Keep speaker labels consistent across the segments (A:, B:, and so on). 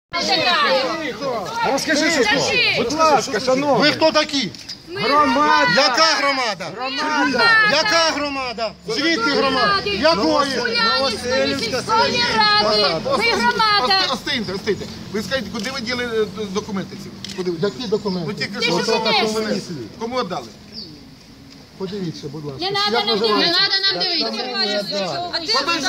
A: Розкажи, що. Будь ласка, шановні. Ви хто такі? Громада. Яка громада? Громада. Яка громада? Звідки громада? Якої?
B: Новоселівська ради. Ми громада.
C: Остиньте. Ви скажіть, куди ви діли документи ці?
A: Які документи?
C: Ну тільки що кому віддали?
A: Подивіться, будь ласка.
B: Не треба нам дивитися.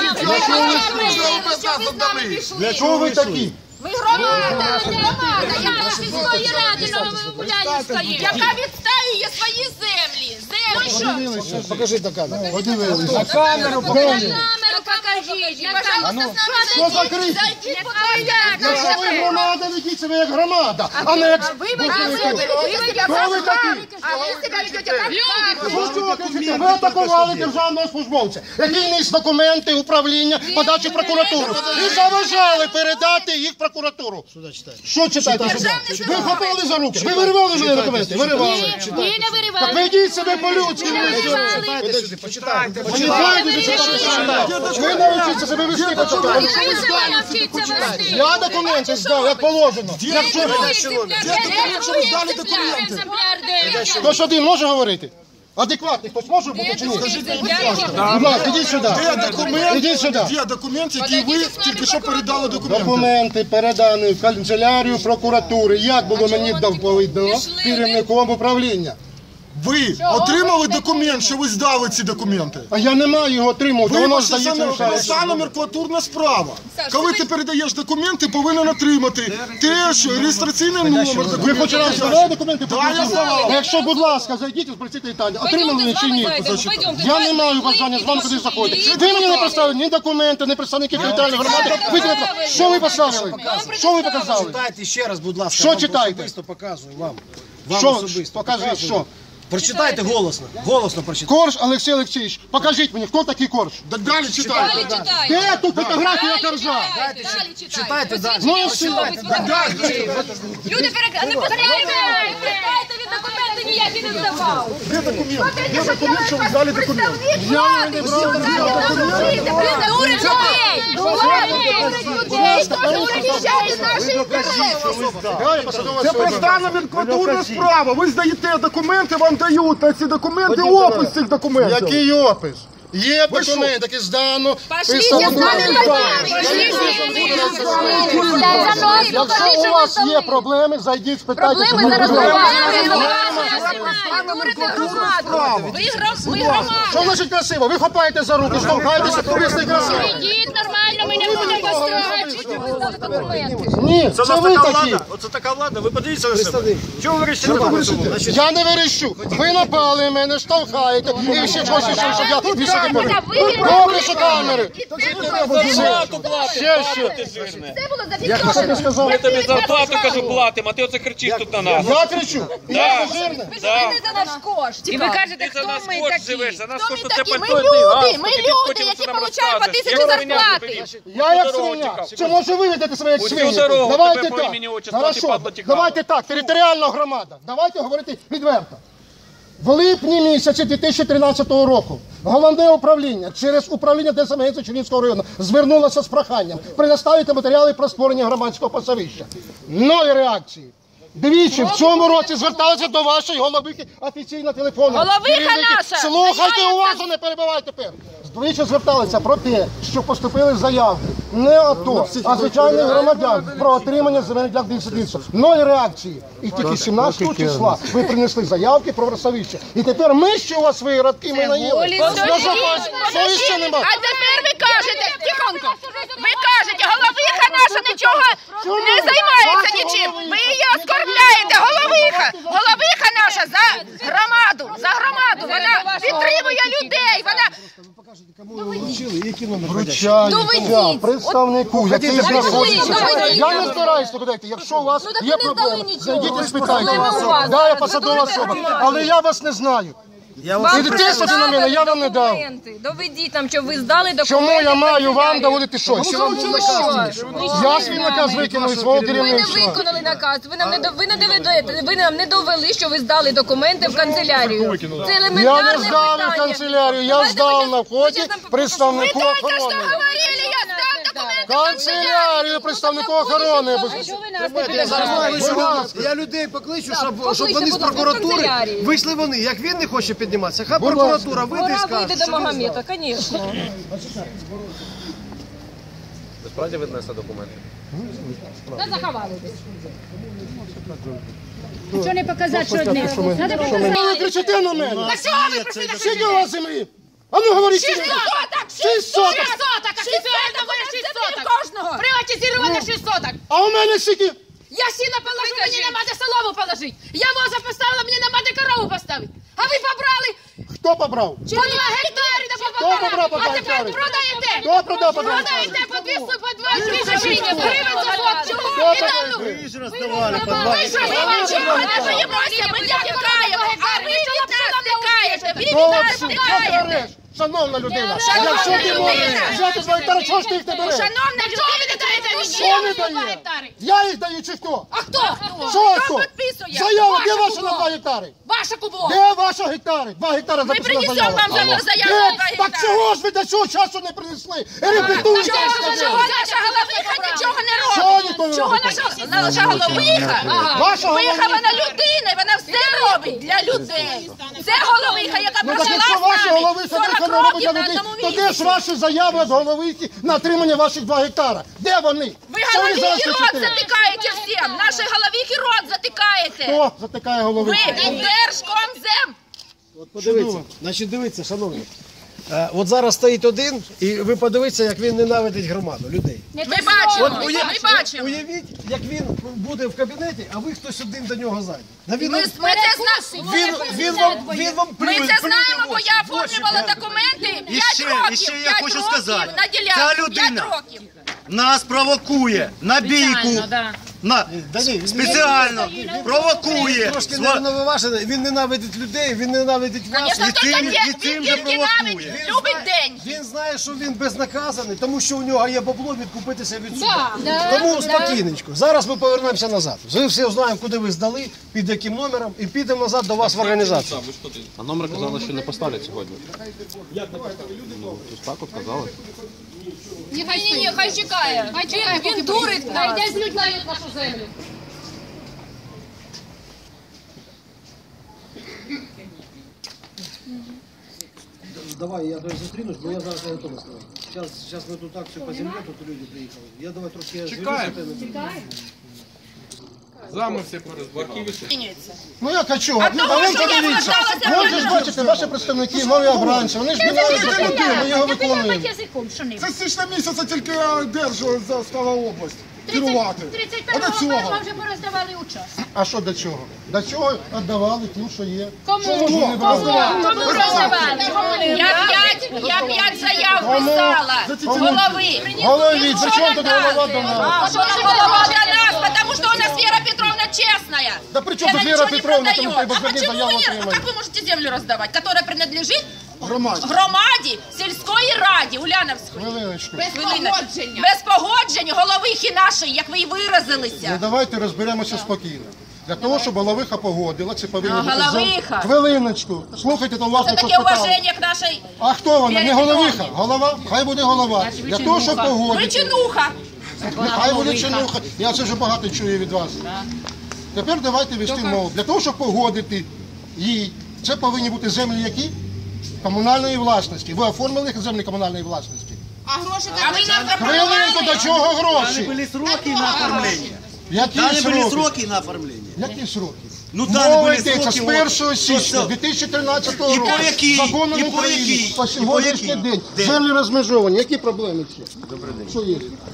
A: Для чого ви такі?
B: Ми громада. Я сільської ради Новоулянівської, яка відстоює свої землі.
A: Подивилися. Покажіть на камеру. Подивилися.
B: На камеру покажіть.
A: Що закрити? Якщо ви громада, ведіть себе як громада, а не як... Хто ви такі? Ви атакували державного службовця, який ніс документи управління подачі в прокуратуру. І заважали передати їх в прокуратуру. Що читаєте? Ви хапали за руки. Ви виривали ж документи? Виривали.
B: Ні, не виривали.
A: Так ведіть себе по-людськи.
C: Почитайте.
A: Ви навчіться себе вести, почитайте. Я документи здав, як положено.
B: Якщо ви здали документи.
A: Хтось один може говорити? Адекватний хтось може бути чи ні? Будь ласка, ідіть сюди. Ідіть сюди.
C: Є документ, який ви тільки що передали документи.
A: Документи передані в канцелярію прокуратури. Як було мені доповідно керівником управління?
C: Ви отримали документ, що ви здали ці документи?
A: А я не маю його отримувати, воно здається.
C: Це номенклатурна справа. Коли ти передаєш документи, повинен отримати теж реєстраційний номер.
A: Ви хоч раз здавали документи?
C: Так, я здавав.
A: Якщо, будь ласка, зайдіть і спросіть Віталія, отримали ви чи ні? Я не маю бажання з вами куди заходити. Ви мені не представили ні документи, ні представники територіальної громади. Що ви поставили? Що ви показали?
D: Читайте ще раз, будь ласка.
A: Що читаєте?
D: Особисто показую вам.
A: Що? Покажіть, що?
D: Прочитайте голосно. Голосно прочитайте.
A: Корж Олексій Олексійович, покажіть мені, хто такий Корж?
C: Далі читайте.
A: Де тут фотографія Коржа?
D: Читайте далі.
A: Ну і все.
B: Люди не перекривайте від документи ніякі не здавав.
C: Де документ? Де документ, що ви здали документ?
A: Я не брав
B: Дурить людей, хто захищає наші інтереси.
C: Це проста номенклатурна справа. Ви здаєте документи, вам дають на ці документи опис цих документів.
A: Який опис? Є документ, який здано.
B: Пошліть з нами
A: Якщо у вас є проблеми, зайдіть, спитайте.
B: Проблеми зараз Ми громада.
A: Що значить красиво? Ви хапаєте за руки, штовхаєтеся, ви не красиво.
B: Ідіть нормально, ми не будемо страчити.
A: Ні, це ви такі.
E: Оце така влада, ви подивіться на себе. Чого ви вирішили?
A: Я не верещу. Ви напали мене, штовхаєте. І ще щось, щоб я вішати поряд. Добре, що камери. Ще.
B: Це було зафіксовано.
E: Ми тобі зарплату, кажу, платимо, а ти оце кричиш тут на нас.
A: Я кричу. Я жирний.
B: Ви живете за наш кошт.
F: І ви кажете,
E: Ти за
F: хто
E: нас
F: ми
E: кошт
F: такі?
E: живеш, за нас
B: Хто
E: кошт
B: ми
E: це
B: такі? Ми
E: пальто,
B: люди, які получають по 1000 зарплати.
A: Я як свиня. Чи може ви ведете себе як
E: Усю
A: свині?
E: дорогу
A: Давайте
E: тебе по
A: так.
E: імені, отчеству,
A: Хорошо.
E: ти падла тікала.
A: Давайте так. Територіальна громада. Давайте говорити відверто. В липні місяці 2013 року головне управління через управління ДСНС Чернігівського району звернулося з проханням предоставити матеріали про створення громадського пасовища. Ноль реакції. Двічі в цьому році зверталися до вашої головихи офіційно телефоном.
B: Головиха наша!
A: Слухайте уважно, не перебивайте тепер. Двічі зверталися про те, що поступили заявки не АТО, а звичайних громадян про отримання земельних ділянок дільництва. Ноль реакції. І тільки 17 числа ви принесли заявки про пасовище. І тепер ми ще у вас свої радки, ми наїли. Совіща немає.
B: А тепер ви кажете, тихонько, ви кажете, головиха наша нічого не займається нічим. Ви її оскорбляєте, головиха наша за громаду, вона підтримує людей, вона...
A: Вручаю представнику, який знаходиться. Я не збираюсь туди йти. Якщо у вас є проблеми, зайдіть і спитайте. Да, я посадова особа, але я вас не знаю. І тиснути на мене я вам не дав.
F: Доведіть нам, що ви здали документи.
A: Чому я маю вам доводити щось? Я свій наказ викинув із свого
F: Ви не
A: керівництва.
F: виконали наказ. Ви нам не довели, що ви здали документи в канцелярію. Це елементарне
A: Я
F: питання.
A: не здав на канцелярію, я здав на вході представнику охорони.
B: Говорили, я здав документи
A: Канцелярію представнику охорони.
D: Я людей покличу, щоб
F: Покличте,
D: вони з
F: будь ласка,
D: прокуратури
F: канцелярію.
D: вийшли вони. Як він не хоче підніматися, хай
A: Будь
D: прокуратура вийде і
F: Пора
D: скаже,
F: вийти до Магомета, звісно.
G: Ви справді віднесли документи?
F: Та заховали десь.
H: Що не показати, що одне? Надо показати.
A: Ви кричите на мене? Скільки у вас землі? А ну говоріть. 6 соток! 6 соток!
B: 6 соток! Кожного! Приватизировано 6 соток!
A: А у мене скільки?
B: Я сіно положу, мені нема де солому положити. Я воза поставила, мені нема де корову поставити. А ви побрали
A: Хто побрав?
B: по 2 гектари до
A: Хто побрав по 2
B: А тепер
A: гектари?
B: продаєте!
A: Хто продав по 2 гектари?
B: Продаєте по 2 тисяч гривень за сот. Чого?
D: Ви ж роздавали по 2
B: Ви що, ми вам чого не боїмося? Ми не втікаємо. А ви від нас втікаєте. Ви від нас втікаєте.
A: Шановна людина,
B: Шановна
A: якщо ти
B: людина.
A: можеш взяти 2 гектари, чого ж ти їх не береш?
B: Шановна людина, ви не даєте мені
A: Що не дає? Я їх даю чи хто?
B: А хто?
A: Що
B: Хто
A: хто?
B: підписує?
A: Заява, де
B: Ваше
A: ваша на
B: кубло.
A: 2 гектари?
B: Ваше кубло.
A: Де ваші гектари? 2 гектари
B: Ми
A: записана
B: принесемо
A: заява.
B: вам заяву
A: Де?
B: на 2
A: Так
B: гектари.
A: чого ж ви до цього часу не принесли? Репетуйте,
B: Чого
A: скажи.
B: наша головиха нічого не
A: Чого
B: робить?
A: ніхто не
B: Чого
A: робить?
B: наша головиха?
A: Ваша
B: Головиха,
A: головиха.
B: вона людина, і вона все робить для людей. Це головиха, яка
A: Ну так
B: прожила
A: якщо
B: з
A: ваша
B: нами
A: головиха
B: 40
A: не робить
B: років
A: для
B: на
A: людей,
B: одному
A: то де ж
B: місці.
A: ваші заяви від головихи на отримання ваших 2 гектара? Де вони?
B: Ви
A: Що зараз
B: головихи рот
A: кричите?
B: затикаєте всім. Наші головихи рот затикаєте.
A: Хто затикає
B: Ви
A: головиху?
B: Держкомзем.
D: От подивіться, значить дивіться, шановні. От зараз стоїть один, і ви подивіться, як він ненавидить громаду, людей.
B: Ми бачимо, ми бачимо.
D: Уявіть, як він буде в кабінеті, а ви хтось один до нього зайде. Та він,
B: Ми це знаємо.
D: він вам
B: Ми це знаємо, бо я оформлювала документи 5 років.
I: І ще я
B: 5
I: хочу
B: років
I: сказати,
B: на
I: ця
B: ділянку. 5
I: людина
B: років.
I: нас провокує на бійку, спеціально провокує.
D: трошки невинуважений, він ненавидить людей, він ненавидить вас.
B: Звісно,
I: і
B: хто
I: цим-
B: таке?
I: і цим
B: Він
I: же
B: тільки
I: провокує.
B: навіть любить день.
D: Він знає, що він безнаказаний, тому що у нього є бабло відкупитися від суду. Тому спокійненько. Зараз ми повернемося назад. Ми всі знаємо, куди ви здали, під яким номером, і підемо назад до вас в організацію.
G: А номер казали, що не поставлять сьогодні. Так от казали.
F: Ні, хай чекає. Він дурить нас. Йде злюдляє нашу землю.
D: Давай, я зустрінусь, бо я зараз не готовий сказати. Зараз ми тут акцію по землі, тут люди приїхали. Я давай трошки
G: Чекаємо. Зами всі порозбарківі.
A: Ну як а чого?
B: А
A: Ну,
B: того,
A: а вон
B: що я
A: подивіться.
B: зверталася
A: Вон же ж бачите, ваші представники, нові обранці, вони ж міняють закони, ми його виконуємо.
H: Язиком, що не?
C: Це з січня місяця тільки держу застава область керувати. А до
H: 31-го
C: цього?
H: вже пороздавали участь.
A: А що до чого? До чого віддавали тим, що є?
H: Кому?
A: Що можна не видавати?
B: Кому роздавали? Я 5 заяв писала. Голови.
A: Голові, при чому тут голова до нас?
B: Что же голова для нас? Потому что у нас Вера Петровна честная.
A: Да при чем
B: Она
A: тут Вера
B: ничего не
A: Петровна?
B: продает.
A: Там
B: А
A: хоть бы
B: почему
A: заяву
B: нет? А
A: отримали.
B: как вы можете землю раздавать, которая принадлежит
C: Громаді.
B: громаді, сільської раді, Уляновської?
A: Хвилиночку.
B: Без погоджень головихи нашої, як ви і
A: Ну
B: виразилися.
A: давайте розберемося спокійно. Для того, щоб головиха погодила, це повинно бути...
B: головиха.
A: Хвилиночку. Слухайте, то власне,
B: Це
A: що
B: таке
A: спитали.
B: уваження к нашій...
A: А хто вона? Не
B: Вері
A: головиха.
B: Петровні.
A: Голова? Хай буде голова. Для того, щоб погодити.
B: Причинуха.
A: Хай буде чинуха. Я це вже багато чую від вас. Тепер давайте вести мову. Для того, щоб погодити їй, це повинні бути землі які? Комунальної власності. Ви оформили землі комунальної власності?
B: А ви нам
A: Хвилинку, до чого гроші?
I: Были сроки на оформление.
A: Які
I: Дали были
A: сроки?
I: сроки на оформление.
A: Які сроки?
I: Ну, дали
A: Мова
I: були
A: йдеться з
I: сроки,
A: 1
I: от,
A: січня
I: що?
A: 2013
I: І
A: року.
I: по якій?
A: Законом
I: І по
A: України.
I: якій?
A: По
I: І по
A: сьогоднішній
I: якій?
A: день.
I: Де?
A: Землі розмежовані. Які проблеми ще?
I: Добрий день.
A: Що є?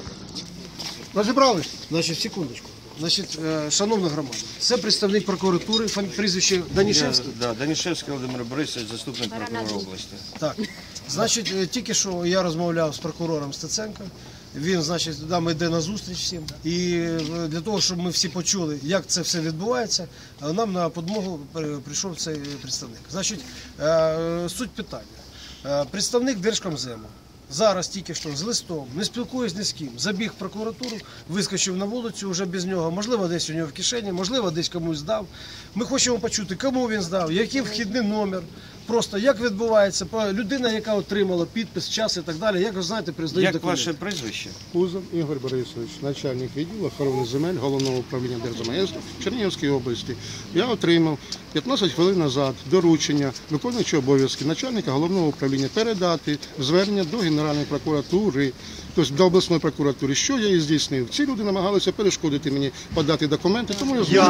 A: Розібрались?
D: Значить, секундочку. Значить, шановна громада, це представник прокуратури, прізвище Данішевський.
J: Да, Данішевський Володимир Борисович, заступник прокурора області.
D: Так. Значить, тільки що я розмовляв з прокурором Стеценко. Він, значить, нам йде на зустріч всім. І для того, щоб ми всі почули, як це все відбувається, нам на допомогу прийшов цей представник. Значить, суть питання. Представник Держкомзему зараз тільки що з листом, не спілкуюсь ні з ким, забіг в прокуратуру, вискочив на вулицю вже без нього, можливо, десь у нього в кишені, можливо, десь комусь здав. Ми хочемо почути, кому він здав, який вхідний номер. просто як відбувається, людина, яка отримала підпис, час і так далі, як ви знаєте, признають
J: Як
D: документи.
J: ваше прізвище?
A: Кузов Ігор Борисович, начальник відділу охорони земель Головного управління Держземагентства Чернігівської області. Я отримав 15 хвилин назад доручення виконуючого обов'язки начальника Головного управління передати звернення до Генеральної прокуратури, тобто до обласної прокуратури. Що я і здійснив? Ці люди намагалися перешкодити мені подати документи, тому я зробив.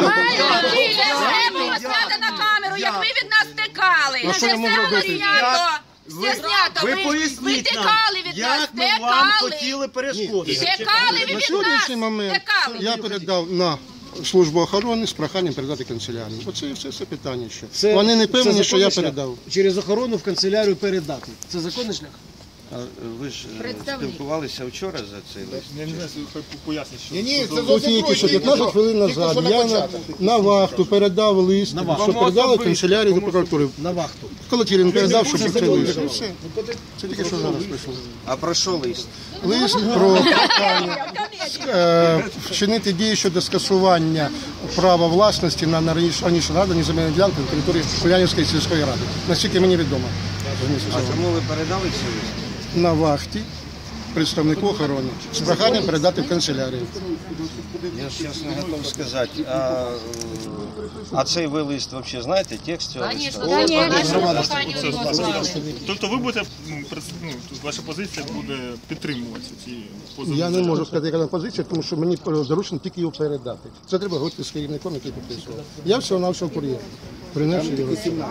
B: Сяде на камеру, як ви від нас тікали.
A: А що я можу робити?
I: Ви поясніть нам, як ми вам хотіли перешкодити.
B: Тікали ви
A: На
B: від
A: сьогоднішній
B: нас.
A: момент я передав на службу охорони з проханням передати канцелярію. Оце і все питання ще. Вони не певні, що я
D: законний шлях?
A: передав.
D: Через охорону в канцелярію передати. Це законний шлях?
J: А ви ж спілкувалися вчора за цей лист?
E: Я не знаю, поясніть, що...
C: Ні, це
A: Тут тільки що 15 хвилин назад я на вахту передав лист, що передали канцелярію до прокуратури.
D: На вахту.
A: Колотілін передав, щоб це лист. І все. Це тільки що зараз прийшло.
J: А про що лист?
A: Лист про прохання вчинити дії щодо скасування права власності на раніше надані земельні ділянки на території Улянівської сільської ради. Наскільки мені відомо.
J: А кому ви передали цей лист?
A: На вахті представнику охорони з проханням передати в канцелярію.
J: Я ж чесно готов сказати, а цей ви лист взагалі знаєте, текст цього листа?
E: Тобто ви будете, ваша позиція буде підтримуватися ці позиції?
A: Я не можу сказати, яка позиція, тому що мені доручено тільки його передати. Це треба говорити з керівником, який підписував. Я всього-навсього кур'єр. Принесу його.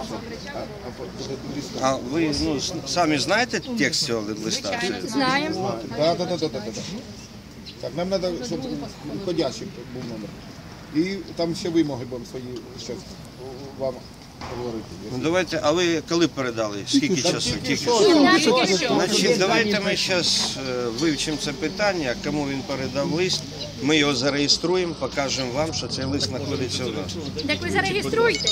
J: А ви самі знаєте текст цього листа?
F: Знаємо.
C: Так, нам треба, щоб входящий був номер. І там ще вимоги будемо свої зараз вам говорити.
J: Ну давайте, а ви коли передали? Скільки часу? Тільки що? Значить, давайте ми зараз вивчимо це питання, кому він передав лист, ми його зареєструємо, покажемо вам, що цей лист знаходиться у нас.
H: Так ви зареєструйте.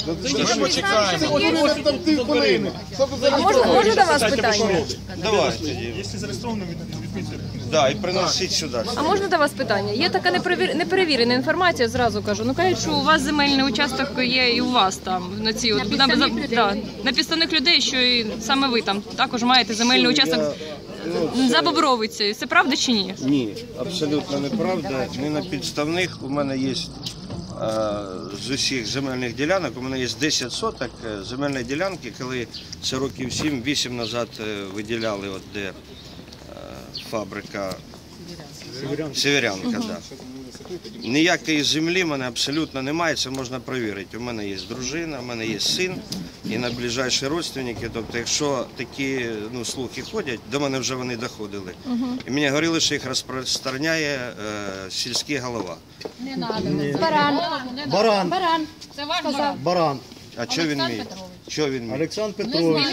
F: А можна до вас питання?
J: Давайте.
E: Якщо зареєстровано, відмітьте.
J: Да, і приносіть сюди.
F: А можна до вас питання? Є така неперевірена інформація, зразу кажу. Ну кажуть, що у вас земельний участок є і у вас там на ці от на підставних людей, що і саме ви там також маєте земельний участок за Бобровицею. Це правда чи ні?
J: Ні, абсолютно неправда. Не на підставних. У мене є з усіх земельних ділянок, у мене є 10 соток земельної ділянки, коли це років 7-8 назад виділяли, от де фабрика Северянка. Да. Ніякої землі в мене абсолютно немає, це можна перевірити. У мене є дружина, у мене є син і найближчі родственники. Тобто, якщо такі слухи ходять, до мене вже вони доходили. І мені говорили, що їх розпространяє сільський голова.
H: Не треба. Баран. Це ваш баран.
I: Баран.
J: А що він мій? Що він мій?
I: Олександр Петрович.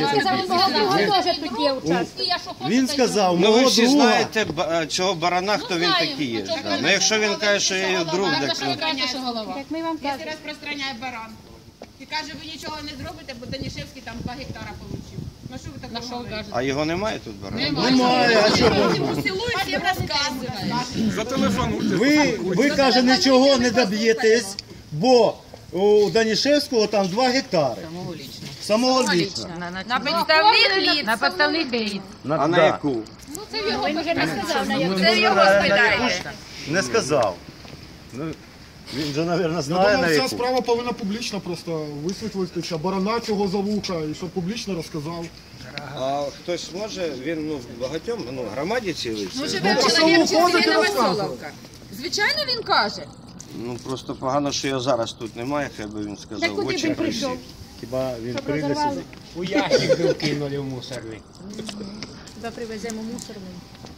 H: Він
I: сказав,
J: Ну ви
I: мого
J: всі
I: друга.
J: знаєте цього барана, хто він такий є. Да. Ну якщо він каже, що я його друг, так
H: Як ми вам кажемо.
B: Якщо розпространяє баран. І каже, ви нічого не зробите, бо Данішевський там 2 гектара отримав. Ну що ви так говорите?
J: А його немає тут барана?
I: Немає, а чого?
B: Селу і всім розказує.
E: Зателефонуйте.
I: Ви, каже, нічого не доб'єтесь, бо у Данішевського там 2 гектари. Самого лічно.
B: На підставних літ. На підставних літ.
J: А на яку?
H: Ви вже не сказав, на яку.
B: Це його спитайте.
I: Не сказав. Ну, він же, мабуть,
C: Я
I: знає на
C: думаю, ця
I: яку.
C: справа повинна публічно просто висвітлитися, барана цього за вуха, і щоб публічно розказав.
J: А хтось може, він багатьом, громаді цілий.
B: Ну, живе чоловік чи Новоселовка. Звичайно, він каже.
J: Ну просто погано, що його зараз тут немає, хай би він сказав.
H: Так куди він прийшов?
I: Хіба він прийде сюди?
K: У ящик був кинули в мусорний.
H: Хіба привеземо мусорний.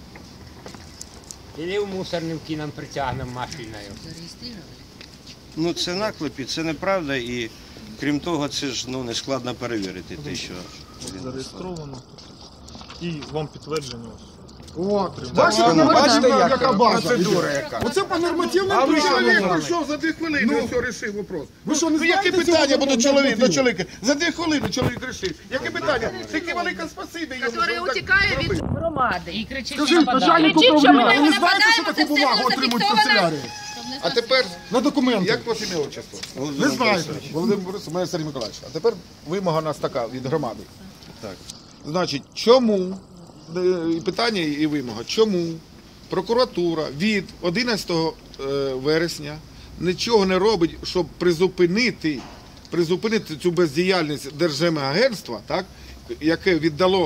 K: Іди в мусорний кинем притягнемо машиною.
J: Ну це наклепі, це неправда і крім того, це ж не складно перевірити те, що він
E: Зареєстровано. І вам підтвердження.
C: Бачите, яка база? Процедура яка. Оце по нормативному
L: Чоловік прийшов за 2 хвилини, все, вирішив вопрос.
C: Ви що, не знаєте
L: яке питання
C: цього
L: буде чоловік до
C: нормативу?
L: чоловіка? За 2 хвилини чоловік вирішив. Яке питання? Тільки велике спасибі йому.
B: Який утікає від громади і кричить, що
C: Скажіть,
B: нападає.
C: начальник
B: Кричить, що ми
C: управління, ви не знаєте,
B: нападаємо,
C: що
B: це
C: таку
B: все
C: бумагу отримують в
B: зафіксовано.
C: канцелярії?
L: А тепер
A: На документи.
L: як ваше ім'я отчество?
A: Не знаю.
L: Володимир Борисович, мене Сергій Миколаївич. А тепер вимога у нас така від громади. Так. Значить, чому, питання і вимога, чому прокуратура від 11 вересня нічого не робить, щоб призупинити цю бездіяльність Держземагентства, так, яке віддало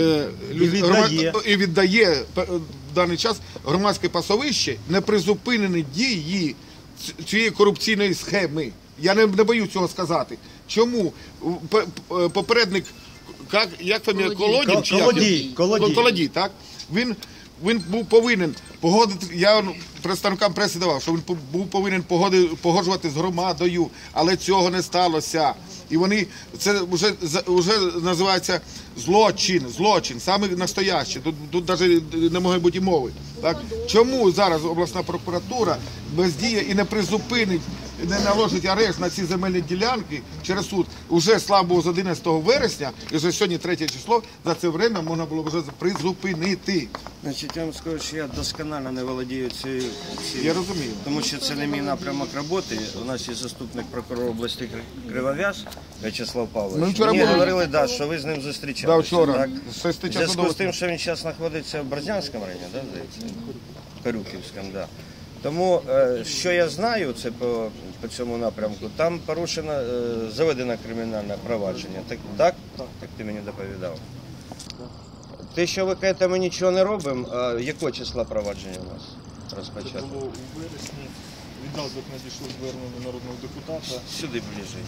L: і віддає в даний час громадське пасовище, не призупинені дії цієї корупційної схеми. Я не боюсь цього сказати. Чому попередник, як фамілія, Колодін? Колодій, так? Він був повинен погодити, я представникам преси давав, що він був повинен погоджувати з громадою, але цього не сталося. І вони, це вже називається злочин, саме настоящий, тут навіть не може бути і мови. Так? Чому зараз обласна прокуратура бездіє і не призупинить, не наложить арешт на ці земельні ділянки через суд? Уже, слава Богу, з 11 вересня, і вже сьогодні 3 число, за це время можна було вже призупинити.
J: Значить, я вам скажу, що я досконально не володію цією.
L: Я розумію.
J: Тому що це не мій напрямок роботи. У нас є заступник прокурора області Кривов'яз В'ячеслав Павлович. Мені говорили, що ви з ним зустрічалися.
L: Вчора.
J: В зв'язку з тим, що він зараз знаходиться в Борзнянському районі, здається? Корюківському, так. Тому, що я знаю, це по цьому напрямку, там порушено, заведено кримінальне провадження. Так ти мені доповідав? Те, що ви кажете, ми нічого не робимо, а якого числа провадження у нас розпочато?
E: Це було у вересні, відразу як надійшло звернення народного депутата.
J: Сюди ближче.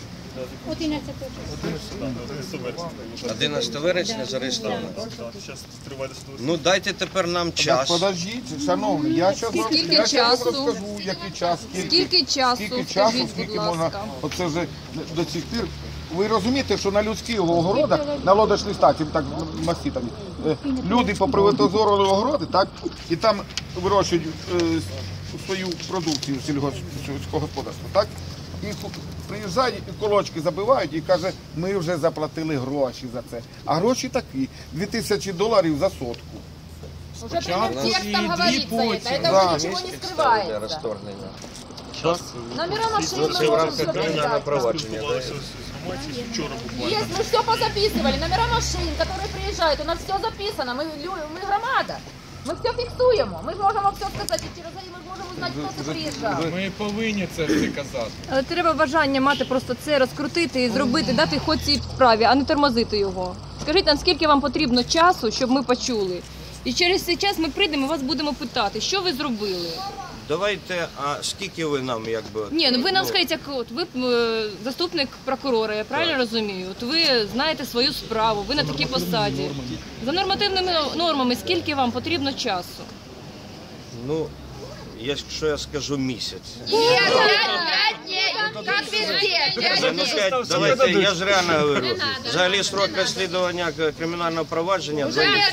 H: 11
J: вересня зареєстровано.
E: Зараз триває судове.
J: Ну дайте тепер нам час.
L: Подождіть, шановні, я зараз розкажу, який час, скільки часу, скільки можна, оце вже до цих пір. Ви розумієте, що на людських огородах, на лодочній статі, так маститами, люди поприватизували огороди, так, і там вирощують свою продукцію сільського господарства, так, і приїжджають, і колочки забивають і каже, ми вже заплатили гроші за це. А гроші такі, $2000 за сотку.
B: Уже прямым текстом говорится это. Это уже ничего не скрывается. Номера машин мы можем все
J: провадження.
B: Есть, мы все позаписывали. Номера машин, которые приезжают, у нас все записано. Мы громада. Ми все фіксуємо. Ми можемо все сказати. Через це ми можемо знати, хто це приїжджав.
G: Ми повинні це все казати.
F: Але треба бажання мати просто це розкрутити і зробити, дати ход цій справі, а не тормозити його. Скажіть нам, скільки вам потрібно часу, щоб ми почули. І через цей час ми прийдемо і вас будемо питати, що ви зробили.
J: Давайте, а скільки ви нам, якби...
F: Ні, ну ви нам скажіть, як от ви заступник прокурора, я правильно розумію? От ви знаєте свою справу, ви на такій посаді. За нормативними нормами, скільки вам потрібно часу?
J: Ну, якщо я скажу місяць.
B: Нет, 5 дней, как везде.
J: Давайте, я ж реально говорю. Взагалі строк розслідування кримінального провадження.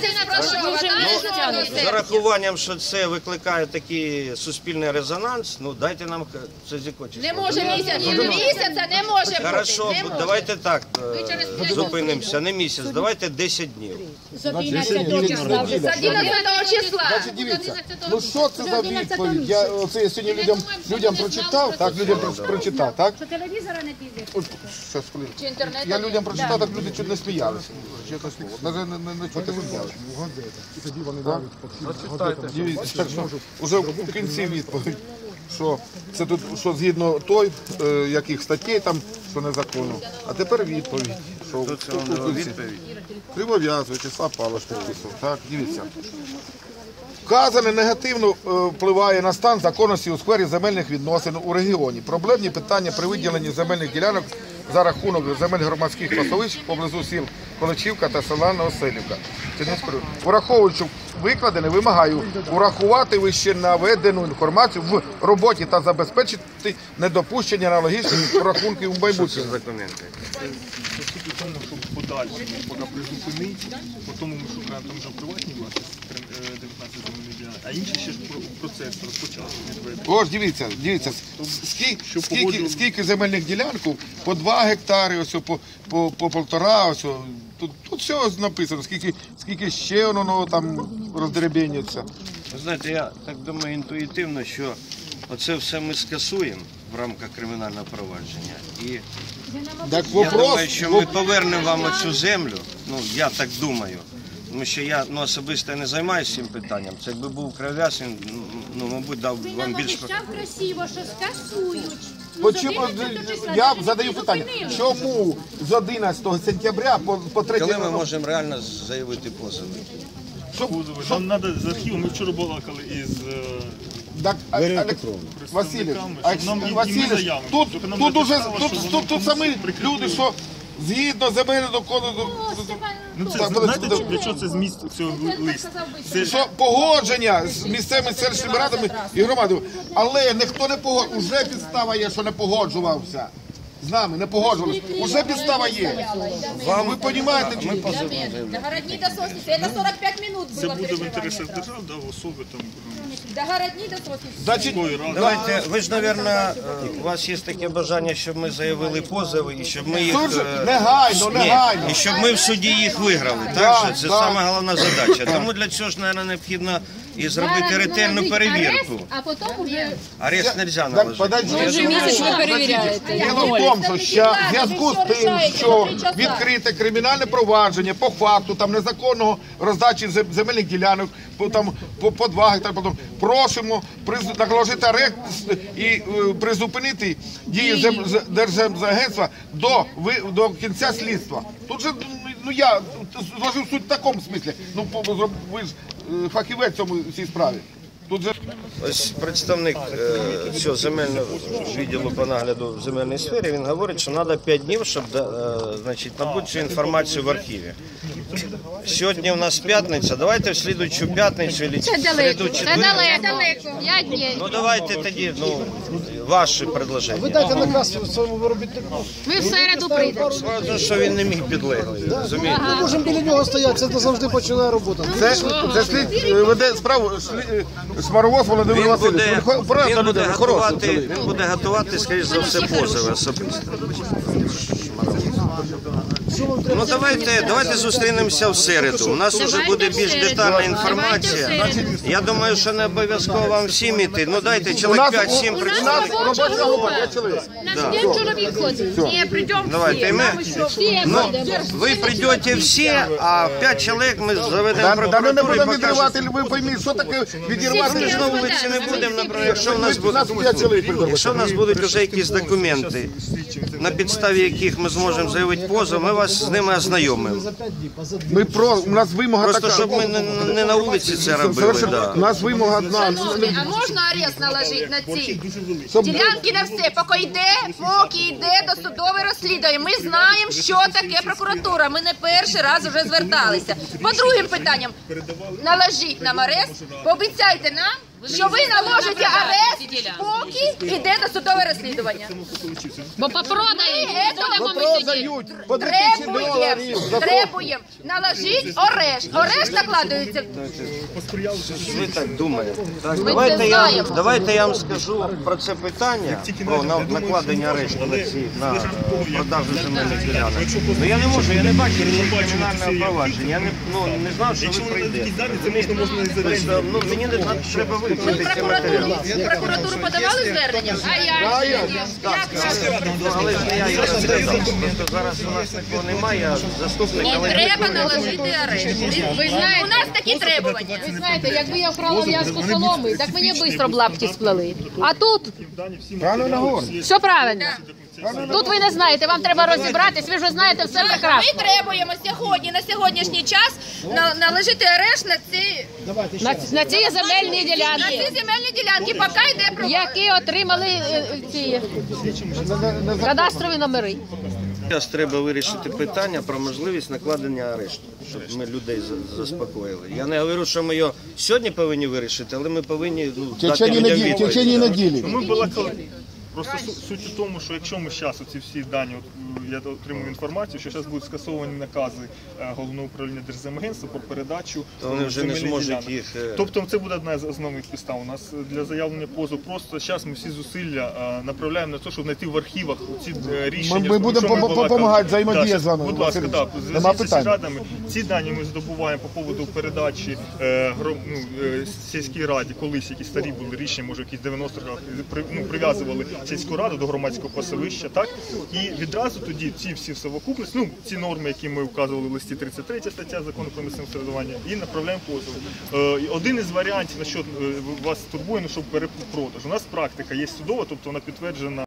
J: За рахуванням, що це викликає такий суспільний резонанс, ну дайте нам це зікочити.
B: Не може місяця не може бути.
J: Хорошо, давайте так зупинимося, не місяць, давайте 10 днів.
B: З 11 числа.
L: Значить, дивіться, ну що це за відповідь? Я сьогодні людям прочитав, так?
H: Що телевізора не піде?
L: Щас, хвилину. Я людям прочитав, так люди чуть не сміялися. Чесне слово. Навіть не чути сміялися.
A: І тоді вони навіть
L: Дивіться, вже в кінці відповідь, що це тут, що згідно той, яких статей там, що незаконно. А тепер відповідь, що в кінці. Кривов'яз В'ячеслав Павлович підписав. Так, дивіться. Вказане негативно впливає на стан законності у сфері земельних відносин у регіоні. Проблемні питання при виділенні земельних ділянок за рахунок земель громадських пасовищ поблизу сіл Количівка та села Новоселівка. Враховуючи викладене, вимагаю урахувати вище наведену інформацію в роботі та забезпечити недопущення аналогічних рахунків у майбутньому.
E: Суть у тому, щоб подальше, поки призупинить, потім ми шукаємо там вже приватні власності, 19 земельних ділянок, а інші ще ж процес розпочався відведення.
L: Ось, дивіться, скільки земельних ділянок, по 2 гектари, ось, по 1,5, ось, тут все написано, скільки ще воно там роздеребенюється.
J: Ви знаєте, я так думаю інтуїтивно, що оце все ми скасуємо в рамках кримінального провадження. І
L: Так
J: я думаю, що ми повернемо вам оцю землю, ну я так думаю. Тому що я особисто не займаюся цим питанням. Це якби був Кривляс, він, мабуть, дав вам більш...
M: красиво, що скасують.
L: Я задаю питання, чому з 11 сентября по 3
J: Коли ми можемо реально заявити позови?
E: Нам треба з архіву, ми вчора балакали із
L: Василь, тут самі люди, що згідно земельного кодексу...
E: Знаєте, для чого це зміст цього листу?
L: Що погодження з місцевими селищними радами і громадами, але ніхто не погоджував, уже підстава є, що не погоджувався. З нами не погоджувалися. Уже підстава є. Вам, ви розумієте?
J: Ми позовемо.
M: Догородні до сосниці, це 45 минут було.
E: Це буде в інтересах держав, особи там...
M: Догородні до сосниці.
J: Давайте, ви ж, мабуть, у вас є таке бажання, щоб ми заявили позови і щоб ми їх...
L: Негайно.
J: І щоб ми в суді їх виграли, так? Що це саме головна задача. Тому для цього ж, мабуть, необхідно і зробити ретельну перевірку.
M: А потім вже...
J: Арест не можна наложити.
F: Вже місяць ви перевіряєте.
L: Діло в тому, що в зв'язку з тим, що відкрите кримінальне провадження по факту там незаконного роздачі земельних ділянок, по 2 гектари, просимо наложити арешт і призупинити дії Держземагентства до кінця слідства. Тут же, я зложив суть в такому смислі, ви ж фахівець в цій справі.
J: Ось представник цього земельного відділу по нагляду в земельній сфері, він говорить, що треба 5 днів, щоб набути цю інформацію в архіві. Сьогодні у нас п'ятниця, давайте в слідуючу п'ятницю.
M: Це далеко, 5 днів.
J: Ну давайте тоді, ваші предложення.
D: Ви дайте наказ своєму виробітнику.
M: Ми в середу прийдемо.
J: Справді, що він не міг підлеглий, розумієте?
D: Ми можемо біля нього стояти, це завжди починає робота.
L: Це слід веде справу Смаровоз Володимир Васильович.
J: Він буде готувати, скоріш за все, позови особисто. Ну давайте зустрінемося в середу. У нас вже буде більш детальна інформація. Я думаю, що не обов'язково вам всім іти. Ну дайте чоловік 5-7 представників.
M: Чоловік ходить. Ні, прийдемо
J: Давайте ми. Ви прийдете всі, а 5 чоловік ми заведемо
L: Ми не будемо
J: прокуратуру.
L: відривати, ви пойміть, що таке відірвати.
J: Ми ж на вулиці не будемо, наприклад, якщо в нас будуть вже якісь документи, на підставі яких ми зможемо заявити позов, ми вас з ними ознайомимо.
L: У нас вимога така.
J: Просто, щоб ми не на вулиці це робили.
L: У нас вимога одна.
B: А можна арест наложити на ці ділянки на все, поки йде досудове розслідування. Ми знаємо, що таке прокуратура. Ми не перший раз вже зверталися. По другим питанням, наложіть нам арест, пообіцяйте нам, що ви наложите арест, поки йде досудове розслідування.
M: Бо попродають, будемо ми сидіти.
B: Требуємо, наложіть арешт. Арешт накладується.
J: Ви так думаєте.
B: знаємо.
J: Давайте я вам скажу про це питання, про накладення арешту на продажу земельних ділянок. Ну я не можу, я не бачу кримінального провадження. Я не знав, що ви прийдете. Мені не треба вивчити ці матеріали.
B: В прокуратуру подавали звернення?
J: Але ж не я його розглядав. Просто зараз у нас такого немає, а заступник...
B: І треба наложити арешт. У нас такі требування.
M: Ви знаєте, якби я вкрала в'язку соломи, так мені швидко б лапті сплели. А тут все правильно. Тут ви не знаєте, вам треба розібратись, ви вже знаєте все прекрасно.
B: Ми требуємо сьогодні, на сьогоднішній час, наложити арешт
M: На ці земельні ділянки,
B: поки йде про...
M: які отримали ці кадастрові номери.
J: Зараз треба вирішити питання про можливість накладення арешту, щоб ми людей заспокоїли. Я не говорю, що ми його сьогодні повинні вирішити, але ми повинні дати людям відповідь.
L: В течение неділі.
E: Просто суть у тому, що якщо ми зараз оці всі дані, я отримую інформацію, що зараз будуть скасовані накази Головного управління Держземагентства про передачу земельних ділянок. Тобто це буде одна з основних підстав. У нас для заявлення позову просто зараз ми всі зусилля направляємо на те, щоб знайти в архівах ці рішення.
L: Ми будемо допомагати, взаємодія з вами.
E: Будь ласка, так. З сільрадами. Ці дані ми здобуваємо по поводу передачі сільській раді, колись якісь старі були рішення, може якісь 90-х років, прив'язували сільську раду до громадського пасовища, так? І відразу тоді ці всі в совокупності, ці норми, які ми вказували в листі 33 стаття Закону про місцеве самоврядування, і направляємо позов. Один із варіантів, на що вас турбує, щоб перепродаж. У нас практика є судова, тобто вона підтверджена